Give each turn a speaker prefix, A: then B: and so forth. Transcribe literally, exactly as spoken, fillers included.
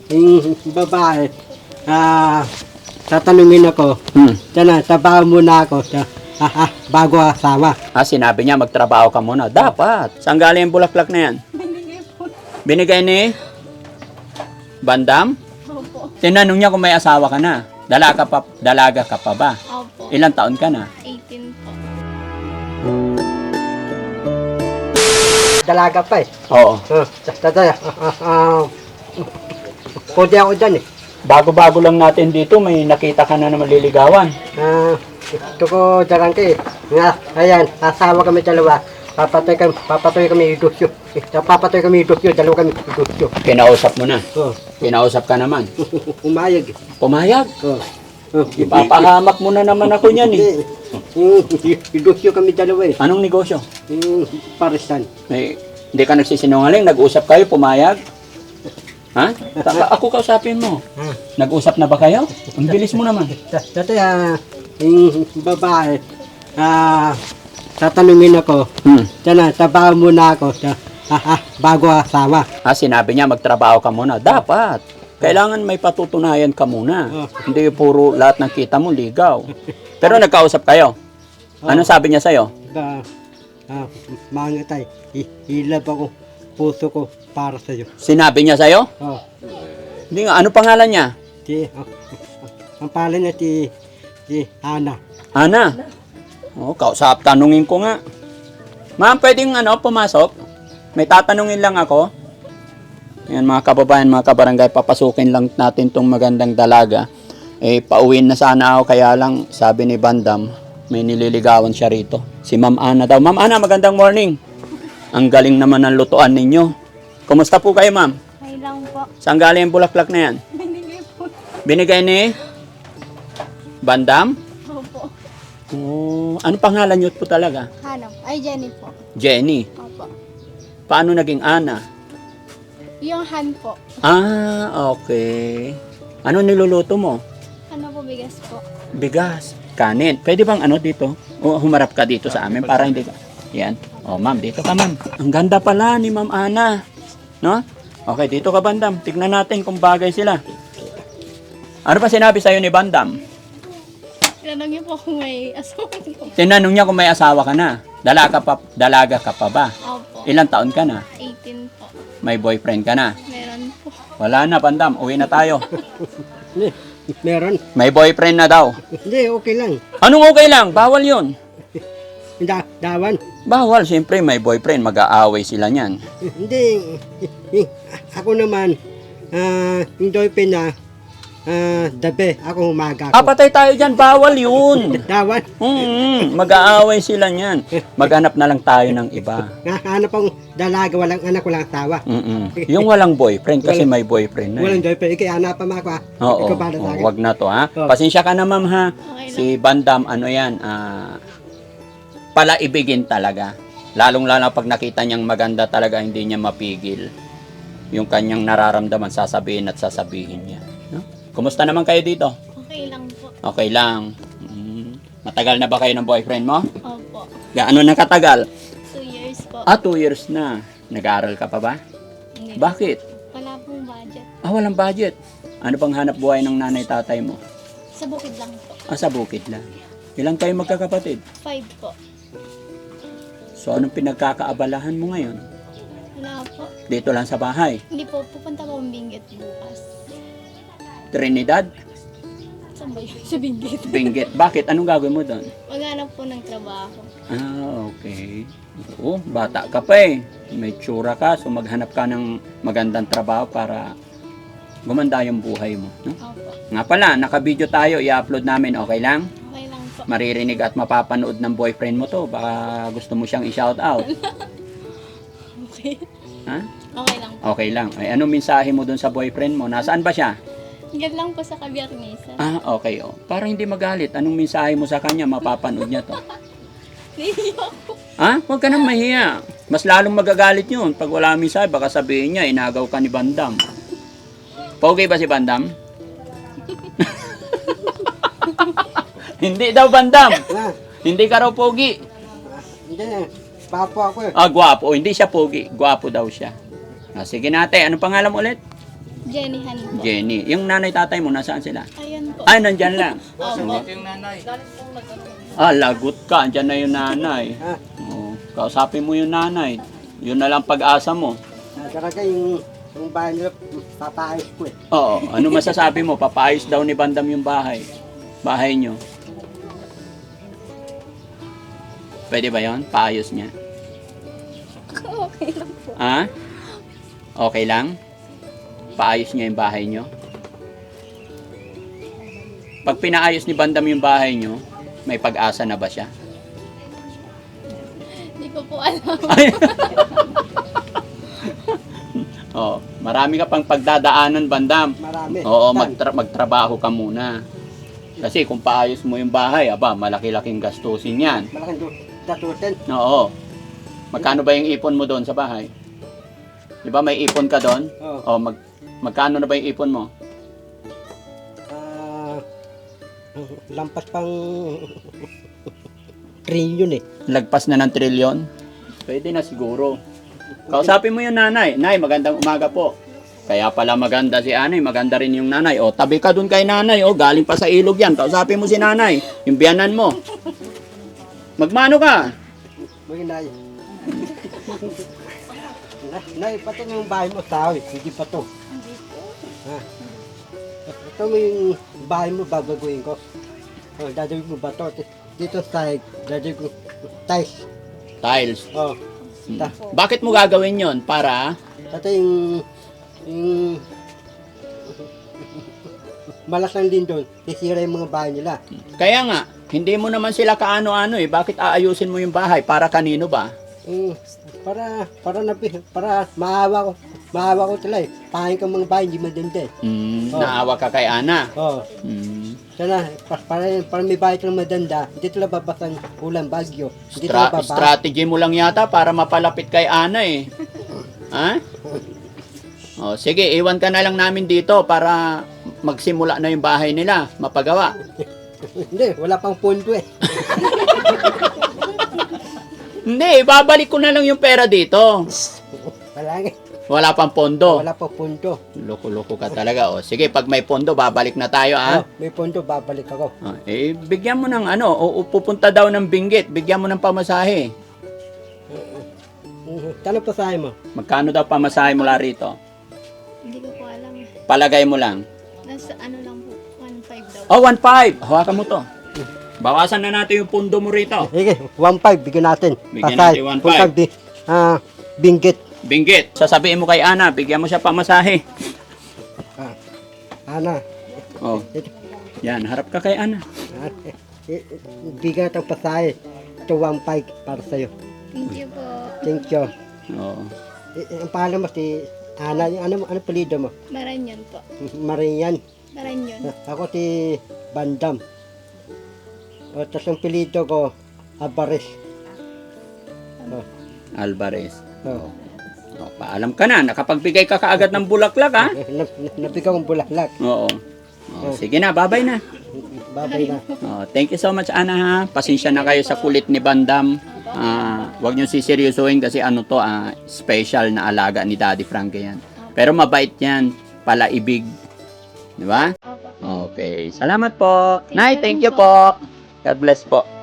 A: yung babae, ah, tatanungin ako,
B: Hmm.
A: sana, trabaho muna ako, sa, ah, ah, bago asawa.
B: Ah, sinabi niya magtrabaho ka muna. Dapat. Saan galing yung bulaklak na yan?
C: Binigay po.
B: Binigay ni Bandam?
C: Opo.
B: Tinanong niya kung may asawa ka na. Dalaga pa, dalaga ka pa ba?
C: Opo.
B: Ilang taon ka na?
C: eighteen po.
A: Dalaga pa eh.
B: Oo.
A: Uh, tata, ah, ah, pwede ako dyan eh.
B: Bago-bago lang natin dito, may nakita ka na na maliligawan.
A: Ah, gusto ko dyan ka eh. Nga, ayan, asawa kami dalawa. Papatoy kami, papatoy kami idusyo. Eh, papatoy kami idusyo, dalawa kami idusyo.
B: Kinausap mo na.
A: Oh,
B: Kinausap ka naman.
A: umayag eh.
B: Pumayag.
A: Oh. Oh,
B: Ipapahamak mo na naman ako niyan eh.
A: Hindi, idusyo kami dalawa eh.
B: Anong negosyo?
A: Yung parisan.
B: May, hindi ka nagsisinungaling? Nag-usap kayo? Pumayag? Ha? Taka, ako kausapin mo.
A: Ah.
B: Nag-usap na ba kayo? Ang bilis mo naman.
A: Dati ah, yung babae, ah, tatanungin ako,
B: Hmm.
A: sana, trabaho muna ako, sa, ah, ah, bago asawa.
B: Ah, sinabi niya magtrabaho ka muna. Dapat. Kailangan may patutunayan ka muna.
A: Oh.
B: Hindi puro lahat ng kita mo ligaw. Pero nagkausap kayo. Ano sabi niya sa'yo?
A: Ba, ah, mangatay, hilab ako, puso ko para sa'yo.
B: Sinabi niya sa'yo?
A: Oh,
B: Hindi nga. Ano pangalan niya?
A: si, ah, ang pala niya si, si Ana.
B: Ana. Oh, kausap. Tanungin ko nga. Ma'am, pwedeng ano, pumasok? May tatanungin lang ako. Ayan mga kababayan, mga kabarangay, papasukin lang natin tong magandang dalaga. Eh, pauwiin na sana ako, kaya lang sabi ni Bandam, may nililigawan siya rito. Si Ma'am Ana daw. Ma'am Ana, magandang morning. Ang galing naman ng lutuan ninyo. Kumusta po kayo, ma'am?
C: May lang po.
B: Saan galing yung bulaklak na yan?
C: Binigay po.
B: Binigay ni Bandam?
C: Opo.
B: Oh, ano pangalan niyo po talaga?
C: Hanap. Ay, Jenny po.
B: Jenny.
C: Opo.
B: Paano naging Ana?
C: Yung Han po.
B: Ah, okay. Ano niluluto mo?
C: Ano po, bigas po.
B: Bigas. Kanin. Pwede bang ano dito? O humarap ka dito sa amin para hindi ka... Yan. O, ma'am, dito ka, ma'am. Ang ganda pala ni Ma'am Ana. No? Okay, dito ka, Bandam. Tignan natin kung bagay sila. Ano pa sinabi sa'yo ni Bandam?
C: Tinanong niyo po kung may asawa ko.
B: Tinanong niya kung may asawa ka na. Dalaga pa, dalaga ka pa ba?
C: Opo.
B: Ilang taon ka na?
C: eighteen po.
B: May boyfriend ka na?
C: Meron po.
B: Wala na, Bandam. Uwi na tayo.
A: Hindi, meron.
B: May boyfriend na daw.
A: Hindi, okay lang.
B: Anong okay lang? Bawal yun.
A: Da, dawan.
B: Bawal. Siyempre, may boyfriend. Mag-aaway sila niyan.
A: Hindi, ako naman, ah, enjoy pa na, ah, dabe, ako umaga
B: Ah,
A: ako.
B: patay tayo dyan. Bawal yun.
A: Dawan,
B: Mm, mag-aaway sila niyan. Maghanap na lang tayo ng iba.
A: hanap akong dalaga, walang anak, walang asawa.
B: Mm-mm. Yung walang boyfriend kasi
A: Walang-
B: may boyfriend na.
A: Walang
B: Eh.
A: enjoy pa, ikay hanapan mo ako ha.
B: Oo,
A: Ikaw bala sa
B: oo,
A: akin.
B: wag na to ha.
A: Oo.
B: Pasensya ka na ma'am ha.
C: Okay
B: Si Bandam, ano yan, ah, palaibigin talaga. Lalong-lalo pag nakita niyang maganda talaga, hindi niya mapigil. Yung kanyang nararamdaman, sasabihin at sasabihin niya. No? Kumusta naman kayo dito?
C: Okay lang po.
B: Okay lang. Mm. Matagal na ba kayo ng boyfriend mo?
C: Opo.
B: Gaano na katagal?
C: Two years po.
B: Ah, two years na. Nag-aaral ka pa ba?
C: Hindi.
B: Bakit?
C: Wala pong budget.
B: Ah, walang budget. Ano bang hanap buhay ng nanay-tatay mo?
C: Sa bukid lang po.
B: Ah, sa bukid lang. Ilang kayo magkakapatid?
C: Five po.
B: So, anong pinagkakaabalahan mo ngayon?
C: Wala po.
B: Dito lang sa bahay.
C: Hindi po. Pupunta po ang Benguet bukas.
B: Trinidad,
C: Saan ba yun? Sa Benguet.
B: Benguet. Bakit? Anong gagawin mo doon?
C: Maghanap po ng trabaho.
B: Ah, okay. Oo, bata ka pa eh. May tsura ka, so maghanap ka ng magandang trabaho para gumanda yung buhay mo. No?
C: Opo.
B: Nga pala, naka-video tayo, i-upload namin, okay lang?
C: Okay lang po.
B: Maririnig at mapapanood ng boyfriend mo to. Baka gusto mo siyang i-shout out.
C: Okay.
B: Ha?
C: Okay lang po.
B: Okay lang. Ay, anong mensahe mo dun sa boyfriend mo? Nasaan ba siya?
C: Yan lang po sa Kabiyarnesa.
B: Ah, okay. Oh. Para hindi magalit. Anong mensahe mo sa kanya? Mapapanood niya to.
C: Naiiyak po.
B: Ha? Huwag ka nang mahiya. Mas lalong magagalit yun. Pag wala mensahe, baka sabihin niya, inagaw ka ni Bandam. Pogi ba si Bandam? Hindi daw, Bandam.
A: Ah,
B: Hindi ka raw pogi.
A: hindi, papo ako eh.
B: Ah, gwapo. Hindi siya pogi. Gwapo daw siya. Ah, sige natin. Anong pangalan mo ulit?
C: Jenny Han po.
B: Jenny. Yung nanay tatay mo, nasaan sila?
C: Ayan po.
B: Ay, nandyan lang.
C: Opo.
B: Ah, lagot ka. Andyan na yung nanay.
A: Ha?
B: Oh, kausapin mo yung nanay. Yun na lang pag-asa mo.
A: Ah, tsaka ka yung, yung bahay nila, papaayos ko eh.
B: Oo. Ano masasabi mo? Papaayos daw ni Bandam yung bahay. Bahay nyo. Pwede ba yon? Paayos niya.
C: Okay lang po.
B: Ha? Okay lang? Paayos niya yung bahay nyo? Pag pinaayos ni Bandam yung bahay nyo, may pag-asa na ba siya?
C: Hindi ko po alam.
B: Ay. Oh, marami ka pang pagdadaanan, Bandam.
A: Marami.
B: Oo,
A: Saan?
B: magtra- magtrabaho ka muna. Kasi kung paayos mo yung bahay, aba, malaki-laking gastusin yan.
A: Malaking du- datutin.
B: Oo. Magkano ba yung ipon mo doon sa bahay? Di ba may ipon ka doon?
A: Oo.
B: O, mag, magkano na ba yung ipon mo?
A: Ah, lampas pang trillion eh.
B: Lagpas na ng trilyon? Pwede na siguro. Kausapin mo yung nanay. Nay, magandang umaga po. Kaya pala maganda si Anay, maganda rin yung nanay. O, tabi ka dun kay nanay. O, galing pa sa ilog yan. Kausapin mo si nanay. Yung biyanan mo. Magmano ka?
A: Mga nay. Na, nay, pati yung bahay mo, tao eh. Hindi pa to.
C: Hindi po.
A: Ha? Ito mo yung bahay mo, babaguhin ko. O, dadawin mo ba to? Dito sa side, dadawin ko tiles.
B: Tiles.
A: O, ta,
B: Bakit mo gagawin yon? Para?
A: Tata yung, yung, malas lang din doon, sisira yung mga bahay nila.
B: Kaya nga, hindi mo naman sila kaano-ano eh. Bakit aayusin mo yung bahay? Para kanino ba?
A: Mm, para, para na, para maawa ko, maawa ko sila eh. Pahain ka mga bahay, hindi maganda eh.
B: Mm,
A: Oh.
B: Naawa ka kay Ana.
A: Oo.
B: Mm.
A: Sana, pa- para, para may bahay silang madanda, hindi sila babasang ulan, bagyo. Hindi
B: Stra-
A: sila babasa.
B: strategy mo lang yata para mapalapit kay Ana eh. Ha? O, sige, iwan ka na lang namin dito para magsimula na yung bahay nila, mapagawa.
A: Hindi, wala pang pondo eh.
B: Hindi, babalik ko na lang yung pera dito.
A: Wala nga.
B: Wala pang pondo.
A: Wala pang pondo.
B: Loko-loko ka talaga. O, sige, pag may pondo, babalik na tayo, ha?
A: Oh, may pondo, babalik ako.
B: O, eh, bigyan mo ng ano, o, o pupunta daw ng Benguet, bigyan mo ng pamasahe.
A: Mhm. Tanong pa sa mo.
B: Magkano daw pamasahe mula rito?
C: Hindi ko po alam.
B: Palagay mo lang.
C: Nasa ano lang po. one five daw.
B: Oh, one five. Hawakan mo to. Bawasan na natin yung pundo mo rito.
A: Sige, one five, bigyan natin.
B: Bigyan
A: Pasay,
B: natin one
A: kung
B: five.
A: saan bi- ah, Benguet.
B: Benguet, sasabihin mo kay Ana, bigyan mo siya pamasahe.
A: Ah, Ana.
B: Oh, yan, harap ka kay Ana.
A: Ah, eh, eh, bigyan natin pasahe. Ito one five para sa'yo.
C: Thank you po.
A: Thank you.
B: Oh.
A: Eh, eh, ang pangalan mo si Ana, yung ano, ano palido mo?
C: Maranyon po.
A: Marian.
C: Maranyon.
A: Ako si Bandam. O, tapos ang pilido ko, Abares. Oh,
B: Alvarez.
A: oh.
B: Oh, paalam ka na, nakapagbigay ka kaagad ng bulaklak, ha?
A: Na, na, nabigyan kong bulaklak.
B: Oo. Oh, sige na, babay na.
A: Babay na.
B: Oh, thank you so much, Ana, ha? Pasensya na kayo sa kulit ni Bandam. Ah, wag niyo siseryosohin kasi ano to, ah, special na alaga ni Daddy Frankie yan. Pero mabait yan, palaibig. Di ba?
C: Opo.
B: Okay. Salamat po. Nay, thank you po. God bless po.